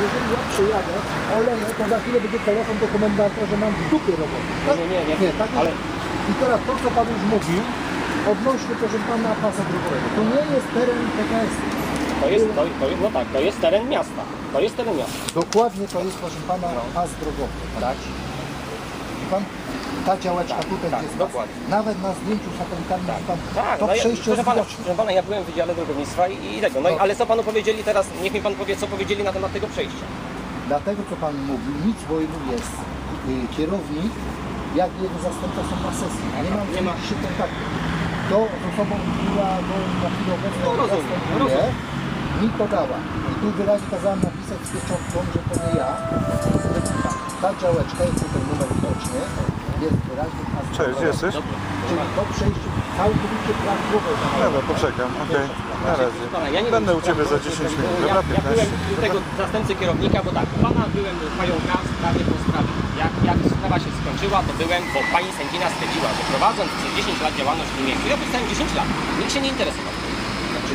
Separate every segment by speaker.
Speaker 1: jeżeli ja przyjadę, oleję, to za chwilę będzie telefon do komendanta, że mam w dupie robotę. Tak? Nie, tak
Speaker 2: ale...
Speaker 1: I teraz to, co Pan już mówił, odnośnie, proszę Pana, pasa drogowego. To nie jest teren PKS.
Speaker 2: No tak, to jest teren miasta. To jest teren miasta.
Speaker 1: Dokładnie to jest, proszę Pana, pas drogowy. Tak? I Pan, ta działeczka tutaj jest
Speaker 2: dokładnie.
Speaker 1: Nawet na zdjęciu satelitarnym Pan
Speaker 2: Tak,
Speaker 1: to
Speaker 2: no
Speaker 1: przejście
Speaker 2: proszę pana,
Speaker 1: widoczne.
Speaker 2: proszę pana, ja byłem w Wydziale Drogownictwa i tego. No i, ale co panu powiedzieli teraz, niech mi pan powie, co powiedzieli na temat tego przejścia.
Speaker 1: Dlatego, co Pan mówił, nic wojnu jest kierownik, jak jego zastępca są na sesji. Nie ma się kontaktu. To z osobą, która na chwilę obecną zastępuje, mi podała. I tu wyraźnie kazałem napisać z pieczątką, że to nie ja. Ta działeczka jest tutaj numer widoczny. Jest wyraźnie pas.
Speaker 3: Cześć, gdzie jesteś?
Speaker 1: Czyli to przejście całkowicie prawidłowe.
Speaker 3: Dobra, poczekam, okej. Na razie. Będę u Ciebie za 10 minut, dobra?
Speaker 2: Ja byłem
Speaker 3: 15.
Speaker 2: u tego zastępcy kierownika, bo tak, u pana byłem u pająka w sprawie po sprawie. Jak sprawa się skończyła, to byłem, bo pani sędzina stwierdziła, że prowadząc przez 10 lat działalność w tym miejscu, ja pisałem 10 lat, nikt się nie interesował.
Speaker 1: Znaczy,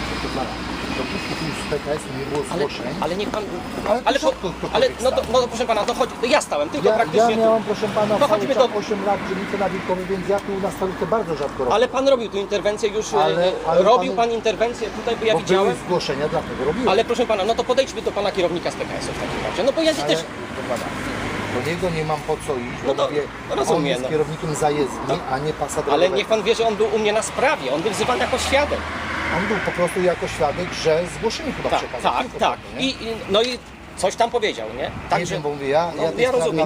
Speaker 1: dopóki tu z PKS nie było zgłoszeń.
Speaker 2: Ale niech pan.
Speaker 1: Ale
Speaker 2: No to proszę pana, to chodź, to ja stałem, tylko praktycznie.
Speaker 1: Ja miałem, proszę Pana,
Speaker 2: No chodźmy do
Speaker 1: 8 lat dzielnicę na Wilkowie, więc ja tu na stolicy bardzo rzadko robię.
Speaker 2: Ale pan robił tu interwencję już.
Speaker 1: Ale
Speaker 2: robił pan interwencję tutaj, bo ja widziałem.
Speaker 1: Były zgłoszenia, dlatego robiłem.
Speaker 2: Ale proszę pana, no to podejdźmy do pana kierownika z PKS-u w takim razie. No bo ja też.
Speaker 1: Do niego nie mam po co iść,
Speaker 2: No
Speaker 1: bo
Speaker 2: to
Speaker 1: mówię,
Speaker 2: rozumiem,
Speaker 1: on jest
Speaker 2: no.
Speaker 1: kierownikiem zajezdni, a nie pasa drogowego.
Speaker 2: Ale niech pan wie, że on był u mnie na sprawie, on był wzywany jako świadek.
Speaker 1: On był po prostu jako świadek, że zgłoszenie chyba przekazał.
Speaker 2: Tak. No i coś tam powiedział, nie?
Speaker 1: Nie
Speaker 2: Także,
Speaker 1: wiem, bo mówię, ja
Speaker 2: rozumiem,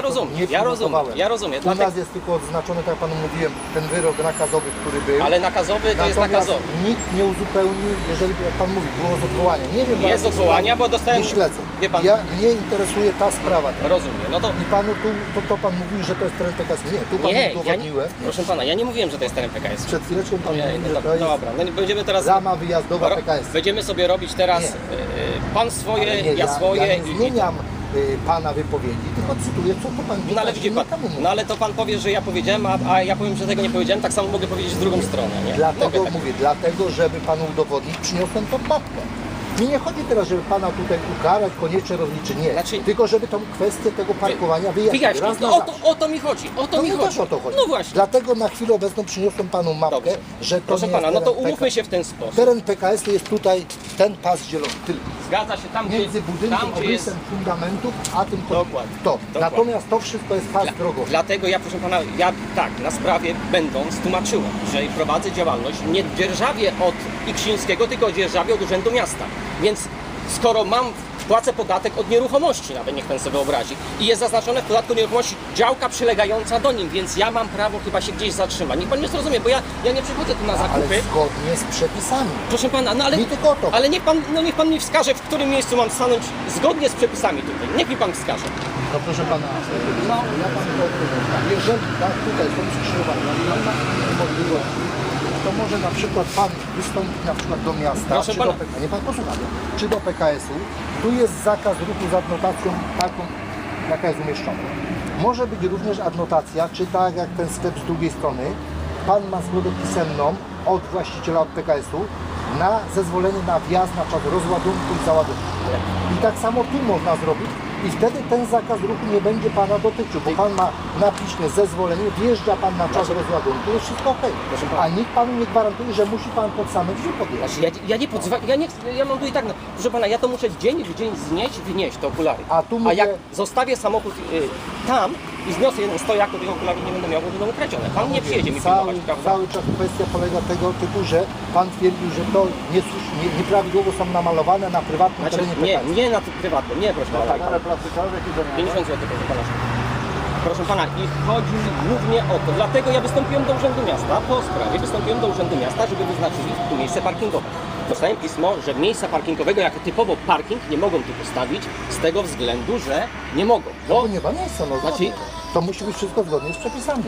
Speaker 2: ja rozumiem.
Speaker 1: U nas jest tylko odznaczony, tak jak Panu mówiłem, ten wyrok nakazowy, który był.
Speaker 2: Ale nakazowy to jest
Speaker 1: Natomiast
Speaker 2: nakazowy.
Speaker 1: nikt nie uzupełnił, jeżeli jak Pan mówi, było z odwołania. Nie wiem,
Speaker 2: Jest odwołania, bo dostałem.
Speaker 1: Nie śledzę.
Speaker 2: Wie pan,
Speaker 1: Mnie interesuje ta sprawa.
Speaker 2: rozumiem. No to.
Speaker 1: I Panu to Pan mówił, że to jest teren PKS. Nie, tu Panu udowodniłem.
Speaker 2: Proszę pana, ja nie mówiłem, że to jest teren PKS.
Speaker 1: Przed chwileczką Pan
Speaker 2: Nie,
Speaker 1: mówił,
Speaker 2: no
Speaker 1: że to jest
Speaker 2: dobra, no będziemy teraz.
Speaker 1: rama wyjazdowa PKS.
Speaker 2: Będziemy sobie robić teraz pan swoje,
Speaker 1: Ale nie,
Speaker 2: ja swoje
Speaker 1: ja nie zmieniam Pana wypowiedzi, tylko cytuję, co to Pan
Speaker 2: No ale widzi pan, no ale to pan powie, że ja powiedziałem, a ja powiem, że tego nie powiedziałem, tak samo mogę powiedzieć w drugą stronę, nie?
Speaker 1: Dlatego
Speaker 2: tak.
Speaker 1: mówię, dlatego żeby Panu udowodnić, przyniosłem tą mapkę. Mi nie chodzi teraz, żeby Pana tutaj ukarać, koniecznie rozliczyć, nie.
Speaker 2: Znaczy,
Speaker 1: tylko żeby tą kwestię tego parkowania wyjaśnić.
Speaker 2: Wyjaśnić, no o to mi chodzi,
Speaker 1: Też o to chodzi.
Speaker 2: No właśnie.
Speaker 1: Dlatego na chwilę obecną przyniosłem Panu mapkę,
Speaker 2: Dobrze.
Speaker 1: że to
Speaker 2: Proszę
Speaker 1: nie
Speaker 2: pana,
Speaker 1: jest
Speaker 2: no to
Speaker 1: teren
Speaker 2: umówmy
Speaker 1: PKS.
Speaker 2: się w ten sposób.
Speaker 1: Teren PKS to jest tutaj ten pas zielony, tylko.
Speaker 2: Zgadza się, tam
Speaker 1: Między budynkiem,
Speaker 2: tam, gdzie jest...
Speaker 1: obrysem fundamentów, a tym
Speaker 2: Dokładnie.
Speaker 1: to.
Speaker 2: Dokładnie.
Speaker 1: Natomiast to wszystko jest pas drogowy.
Speaker 2: Dlatego ja, proszę pana, ja tak, na sprawie będąc tłumaczyłem, że prowadzę działalność nie dzierżawię od Iksińskiego, tylko dzierżawię od Urzędu Miasta. Więc skoro płacę podatek od nieruchomości, nawet niech pan sobie wyobrazi, i jest zaznaczone w podatku nieruchomości działka przylegająca do nim, więc ja mam prawo chyba się gdzieś zatrzymać. Niech pan mnie zrozumie, bo ja nie przychodzę tu na zakupy.
Speaker 1: Ale zgodnie z przepisami.
Speaker 2: Proszę pana, no ale,
Speaker 1: Mi tylko to.
Speaker 2: ale niech pan mi wskaże, w którym miejscu mam stanąć zgodnie z przepisami tutaj. Niech mi pan wskaże.
Speaker 1: No proszę Pana, ja Panu to odpowiadam. Jeżeli tak, tutaj są skrzyżowania, Pan ma możliwości, to może na przykład Pan wystąpić na przykład do miasta,
Speaker 2: Proszę
Speaker 1: czy
Speaker 2: pana.
Speaker 1: do PKS, nie Pan posłucha, czy do PKS-u. Tu jest zakaz ruchu z adnotacją taką, jaka jest umieszczona. Może być również adnotacja, czy tak jak ten sklep z drugiej strony, Pan ma zgodę pisemną od właściciela od PKS-u na zezwolenie na wjazd na czas rozładunku i załadunku. I tak samo tu można zrobić i wtedy ten zakaz ruchu nie będzie Pana dotyczył, bo Pan ma na piśmie zezwolenie, wjeżdża Pan na czas rozładunku, jest wszystko ok. A nikt Panu nie gwarantuje, że musi Pan pod same drzwi podjechać.
Speaker 2: Znaczy, ja nie podzwam, ja mam tu i tak, no, proszę pana, ja to muszę dzień w dzień wynieść te okulary.
Speaker 1: A tu mówię-
Speaker 2: jak zostawię samochód tam i zniosę jeden stojak, to tych okularów nie będę miał, bo będą ukradzione. Pan nie przyjedzie mi pilnować, prawda?
Speaker 1: Cały czas kwestia polega tego typu, że Pan twierdził, że to nieprawidłowo są namalowane na prywatnym
Speaker 2: Znaczy,
Speaker 1: terenie PKS.
Speaker 2: nie na prywatnym, nie proszę pana.
Speaker 1: Ale plastykowe, jakie to
Speaker 2: 50 zł, proszę pana. Proszę pana, i chodzi mi głównie o to, dlatego ja wystąpiłem do Urzędu Miasta, po sprawie wystąpiłem do Urzędu Miasta, żeby wyznaczyli tu miejsce parkingowe. Dostałem pismo, że miejsca parkingowego jako typowo parking nie mogą tu postawić z tego względu, że nie mogą.
Speaker 1: To nie ma miejsca, no
Speaker 2: Znaczy-
Speaker 1: to musi być wszystko zgodnie z przepisami.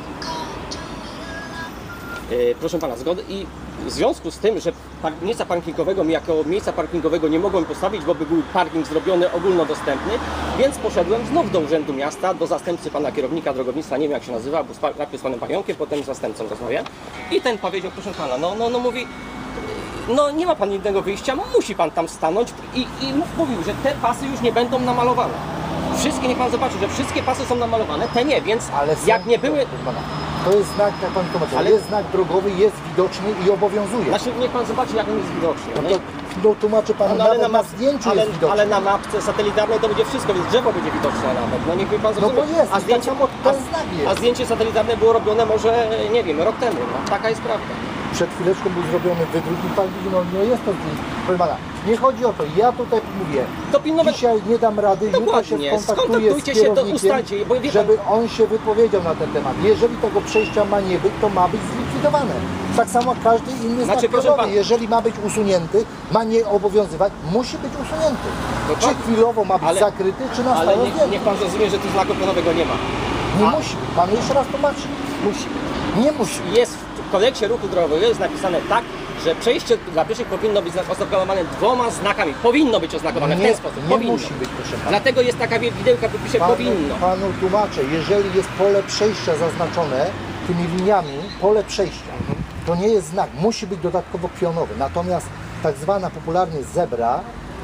Speaker 2: Proszę pana, zgody i w związku z tym, że miejsca parkingowego jako miejsca parkingowego nie mogłem postawić, bo by był parking zrobiony ogólnodostępny, więc poszedłem znów do Urzędu Miasta, do zastępcy pana kierownika drogownictwa, nie wiem jak się nazywa, bo najpierw z panem Pająkiem, potem z zastępcą rozmawiałem i ten powiedział, proszę pana, no mówi, no nie ma pan innego wyjścia, musi pan tam stanąć i mówił, że te pasy już nie będą namalowane. Wszystkie, niech pan zobaczy, że wszystkie pasy są namalowane, te nie, więc
Speaker 1: Ale są,
Speaker 2: jak nie były...
Speaker 1: proszę pana, to jest znak, jak pan tłumaczył,
Speaker 2: Ale-
Speaker 1: jest znak drogowy, jest widoczny i obowiązuje.
Speaker 2: Znaczy, niech pan zobaczy, jak on jest widoczny.
Speaker 1: No to no, tłumaczy pan, nawet na zdjęciu jest widoczny.
Speaker 2: ale na mapce satelitarnej to będzie wszystko, więc drzewo będzie widoczne nawet. No niech mi pan
Speaker 1: No
Speaker 2: zrozumie.
Speaker 1: bo jest,
Speaker 2: a
Speaker 1: i
Speaker 2: zdjęcie,
Speaker 1: tak samo ten znak jest.
Speaker 2: a zdjęcie satelitarne było robione może, nie wiem, rok temu. No, taka jest prawda.
Speaker 1: Przed chwileczką był zrobiony wydruk i pan widzi, no jest to zdjęcie. Proszę pana, nie chodzi o to, ja tutaj mówię,
Speaker 2: To pilnować...
Speaker 1: dzisiaj nie dam rady, jutro się
Speaker 2: Dokładnie,
Speaker 1: skontaktuję z
Speaker 2: skontaktujcie się, to
Speaker 1: kierownikiem,
Speaker 2: ustalcie, bo wie pan-
Speaker 1: żeby on się wypowiedział na ten temat. Jeżeli tego przejścia ma nie być, to ma być zlikwidowane. Tak samo każdy inny
Speaker 2: Znaczy,
Speaker 1: znak
Speaker 2: proszę
Speaker 1: drogowy,
Speaker 2: pana-
Speaker 1: jeżeli ma być usunięty, ma nie obowiązywać, musi być usunięty.
Speaker 2: Dokładnie.
Speaker 1: Czy chwilowo ma być
Speaker 2: Ale-
Speaker 1: zakryty, czy na
Speaker 2: Ale
Speaker 1: stałe
Speaker 2: niech
Speaker 1: zdjęty.
Speaker 2: pan zrozumie, że tu znaku pionowego nie ma.
Speaker 1: Nie musi. Panu jeszcze raz tłumaczę.
Speaker 2: Musi.
Speaker 1: Nie musi.
Speaker 2: Jest w kodeksie ruchu drogowego jest napisane tak, że przejście dla pieszych powinno być oznakowane 2 znakami. Powinno być oznakowane w ten sposób.
Speaker 1: nie
Speaker 2: Powinno.
Speaker 1: musi być, proszę pana.
Speaker 2: Dlatego jest taka widełka w opisie powinno.
Speaker 1: Panu tłumaczę, jeżeli jest pole przejścia zaznaczone tymi liniami, pole przejścia, to nie jest znak, musi być dodatkowo pionowy. Natomiast tak zwana popularnie zebra,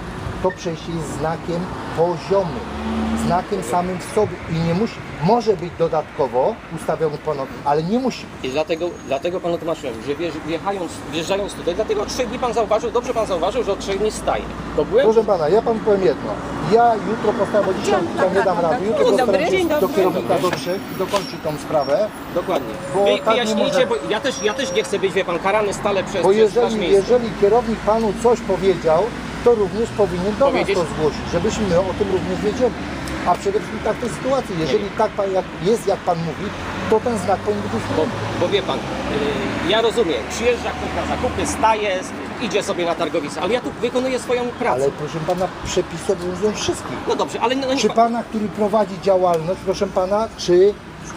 Speaker 1: to przejście jest znakiem poziomym, znakiem samym w sobie i nie musi, może być dodatkowo ustawiony ponownie, ale nie musi być.
Speaker 2: I dlatego panu tłumaczyłem, że wjeżdżając tutaj, dlatego od 3 dni pan zauważył, dobrze pan zauważył, że od 3 dni staje. To byłem...
Speaker 1: Proszę pana, ja panu powiem jedno. Ja jutro postaram, bo dzisiaj tam nie dam rady. Jutro
Speaker 2: Dzień dobry,
Speaker 1: postaram
Speaker 2: dzień
Speaker 1: się do
Speaker 2: dobry.
Speaker 1: kierownika dotrzeć i dokończyć tą sprawę.
Speaker 2: Dokładnie.
Speaker 1: Bo tak nie
Speaker 2: Wyjaśnijcie,
Speaker 1: może-
Speaker 2: bo ja też nie chcę być, wie pan, karany stale przez
Speaker 1: Bo
Speaker 2: wasz
Speaker 1: jeżeli,
Speaker 2: miejsce.
Speaker 1: jeżeli kierownik panu coś powiedział, to również powinien do nas
Speaker 2: Powiedzieć?
Speaker 1: to zgłosić, żebyśmy my o tym również wiedzieli. A przede wszystkim tak w tej sytuacji, jeżeli tak pan, jak pan mówi, to ten znak powinien być usunięty.
Speaker 2: Bo wie pan, ja rozumiem, przyjeżdża ktoś na zakupy, staje, idzie sobie na targowisko, ale ja tu wykonuję swoją pracę.
Speaker 1: Ale proszę pana, przepisy obowiązują wszystkich.
Speaker 2: No dobrze, ale no,
Speaker 1: Czy pana, który prowadzi działalność, proszę pana, czy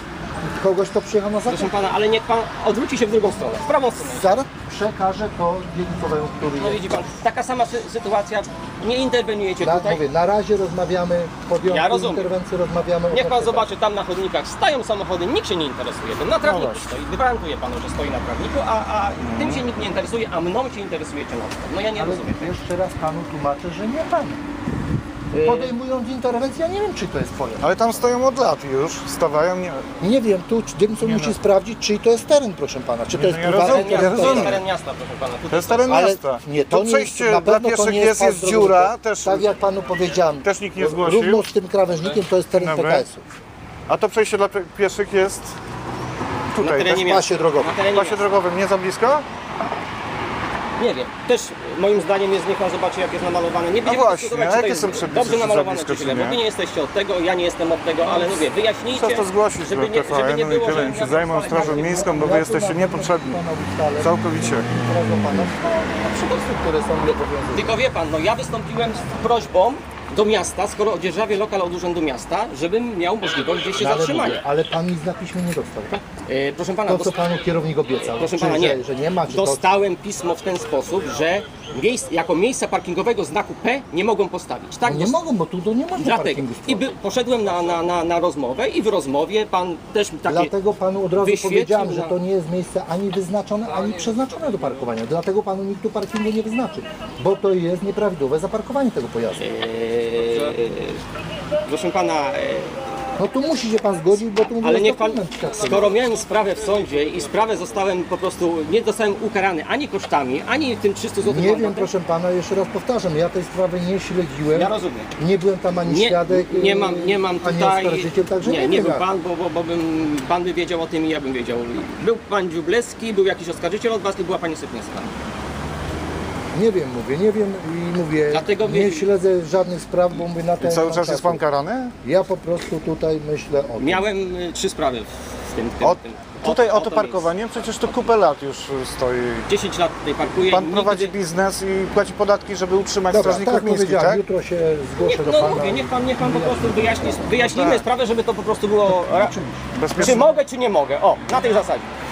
Speaker 1: kogoś, kto przyjechał na
Speaker 2: proszę
Speaker 1: zakup?
Speaker 2: pana, ale niech pan odwróci się w drugą stronę, w prawą stronę.
Speaker 1: Zaraz przekażę to dzielnicowemu, który
Speaker 2: No
Speaker 1: jest.
Speaker 2: widzi pan, taka sama sytuacja, nie interweniujecie tutaj.
Speaker 1: Mówię, na razie rozmawiamy,
Speaker 2: Ja
Speaker 1: podjąłem
Speaker 2: rozumiem.
Speaker 1: interwencję, rozmawiamy.
Speaker 2: Niech pan
Speaker 1: odnośnie
Speaker 2: zobaczy, tam na chodnikach stają samochody, nikt się nie interesuje tym. Na trawniku
Speaker 3: właśnie.
Speaker 2: stoi, gwarantuję panu, że stoi na trawniku, a tym się nikt nie interesuje, a mną się interesujecie na przykład. No ja nie
Speaker 1: Ale
Speaker 2: rozumiem tego.
Speaker 1: jeszcze raz panu tłumaczę, że nie pan. Podejmując interwencję, ja nie wiem, czy to jest twoje.
Speaker 3: Ale tam stoją od lat już, stawają, nie...
Speaker 1: Nie wiem, tu dzielnica
Speaker 3: Nie
Speaker 1: musi
Speaker 3: no.
Speaker 1: sprawdzić, czyj to jest teren, proszę pana. Czy to
Speaker 3: Nie,
Speaker 1: jest
Speaker 3: no ja
Speaker 1: prywatny
Speaker 3: rozumiem,
Speaker 1: teren,
Speaker 3: ja
Speaker 2: To jest
Speaker 3: rozumiem.
Speaker 2: teren miasta, proszę pana. Tutaj
Speaker 3: To jest teren
Speaker 1: Ale
Speaker 3: miasta.
Speaker 1: nie, to
Speaker 3: To
Speaker 1: nie
Speaker 3: przejście
Speaker 1: jest, na
Speaker 3: dla
Speaker 1: pewno to
Speaker 3: pieszych
Speaker 1: nie
Speaker 3: jest
Speaker 1: pas drogowy.
Speaker 3: dziura, też...
Speaker 1: Tak jak panu powiedziałem,
Speaker 3: Też nikt nie zgłosił.
Speaker 1: równo z tym krawężnikiem to jest teren
Speaker 3: Dobra.
Speaker 1: PKS-u.
Speaker 3: A to przejście dla pieszych jest
Speaker 2: Na
Speaker 3: tutaj,
Speaker 2: terenie
Speaker 3: też
Speaker 1: W
Speaker 2: miasta.
Speaker 1: pasie drogowym.
Speaker 2: Na terenie
Speaker 3: w pasie
Speaker 2: miasta.
Speaker 3: drogowym, nie za blisko?
Speaker 2: Nie wiem. Też moim zdaniem jest, niech pan zobaczy, jak jest namalowane. Nie będziemy
Speaker 3: właśnie,
Speaker 2: dyskutować,
Speaker 3: a
Speaker 2: czy to
Speaker 3: jakie
Speaker 2: jest
Speaker 3: są przepisy,
Speaker 2: dobrze
Speaker 3: czy za
Speaker 2: namalowane,
Speaker 3: blisko,
Speaker 2: czy
Speaker 3: czy
Speaker 2: źle.
Speaker 3: nie?
Speaker 2: Bo wy nie jesteście od tego, ja nie jestem od tego, ale mówię, wyjaśnijcie.
Speaker 3: Trzeba to zgłosić
Speaker 2: żeby
Speaker 3: do
Speaker 2: nie, żeby nie
Speaker 3: TVN-u i
Speaker 2: było,
Speaker 3: tyle.
Speaker 2: że
Speaker 3: Im się zajmą Strażą Miejską, bo wy jesteście niepotrzebni. Całkowicie.
Speaker 1: Przepisy, które są nieobowiązujące.
Speaker 2: Tylko wie pan, no ja wystąpiłem z prośbą do miasta, skoro odzierżawię lokal od Urzędu Miasta, żebym miał możliwość gdzieś się
Speaker 1: Ale
Speaker 2: zatrzymania.
Speaker 1: mówię, ale pan nic na piśmie nie dostał, tak?
Speaker 2: Proszę pana,
Speaker 1: To, co panu kierownik obiecał.
Speaker 2: proszę
Speaker 1: czy,
Speaker 2: pana, nie.
Speaker 1: Że nie ma, czy to...
Speaker 2: Dostałem pismo w ten sposób, że jako miejsca parkingowego znaku P nie mogą postawić. Tak?
Speaker 1: No nie mogą, bo tu to nie można
Speaker 2: Dlatego.
Speaker 1: parkingu
Speaker 2: I
Speaker 1: stworzyć.
Speaker 2: poszedłem na rozmowę i w rozmowie pan też mi takie...
Speaker 1: Dlatego panu od razu
Speaker 2: wyświetlił
Speaker 1: powiedziałem, że
Speaker 2: na-
Speaker 1: to nie jest miejsce ani wyznaczone, ani przeznaczone do parkowania. Dlatego panu nikt tu parkingu nie wyznaczy, bo to jest nieprawidłowe zaparkowanie tego pojazdu.
Speaker 2: Proszę pana,
Speaker 1: No tu musi się pan zgodzić, bo tu
Speaker 2: ale
Speaker 1: jest
Speaker 2: niech pan,
Speaker 1: dokument świadczy.
Speaker 2: skoro miałem sprawę w sądzie i sprawę zostałem po prostu, nie zostałem ukarany ani kosztami, ani tym 300 zł
Speaker 1: Nie wiem, proszę pana, jeszcze raz powtarzam, ja tej sprawy nie śledziłem.
Speaker 2: Ja rozumiem.
Speaker 1: Nie byłem tam ani świadek,
Speaker 2: Nie mam
Speaker 1: ani
Speaker 2: tutaj.
Speaker 1: oskarżyciel, także
Speaker 2: nie
Speaker 1: wiem
Speaker 2: był
Speaker 1: jak.
Speaker 2: pan, bo pan by wiedział o tym i ja bym wiedział. Był pan Dziubleski, był jakiś oskarżyciel od was i była pani Sypniewska.
Speaker 1: Nie wiem, nie wiem i mówię,
Speaker 2: Dlatego
Speaker 1: nie
Speaker 2: wie-
Speaker 1: śledzę żadnych spraw, bo mówię na
Speaker 3: I
Speaker 1: ten
Speaker 3: cały czas jest pan karany?
Speaker 1: Ja po prostu tutaj myślę o tym.
Speaker 2: Miałem 3 sprawy w tym.
Speaker 3: Tutaj o to
Speaker 2: miejscu.
Speaker 3: parkowanie, przecież to kupę lat już stoi.
Speaker 2: 10 lat tutaj parkuję.
Speaker 3: Pan
Speaker 2: i
Speaker 3: prowadzi
Speaker 2: nigdy-
Speaker 3: biznes i płaci podatki, żeby utrzymać
Speaker 1: Dobra,
Speaker 3: strażników
Speaker 1: tak
Speaker 3: miejskich,
Speaker 1: powiedziałem,
Speaker 3: tak?
Speaker 1: jutro się zgłoszę do
Speaker 2: No
Speaker 1: pana.
Speaker 2: mówię, niech pan po prostu wyjaśnimy
Speaker 3: tak.
Speaker 2: sprawę, żeby to po prostu było... Czy
Speaker 3: Bezpiecznie.
Speaker 2: mogę, czy nie mogę? O, na tej zasadzie.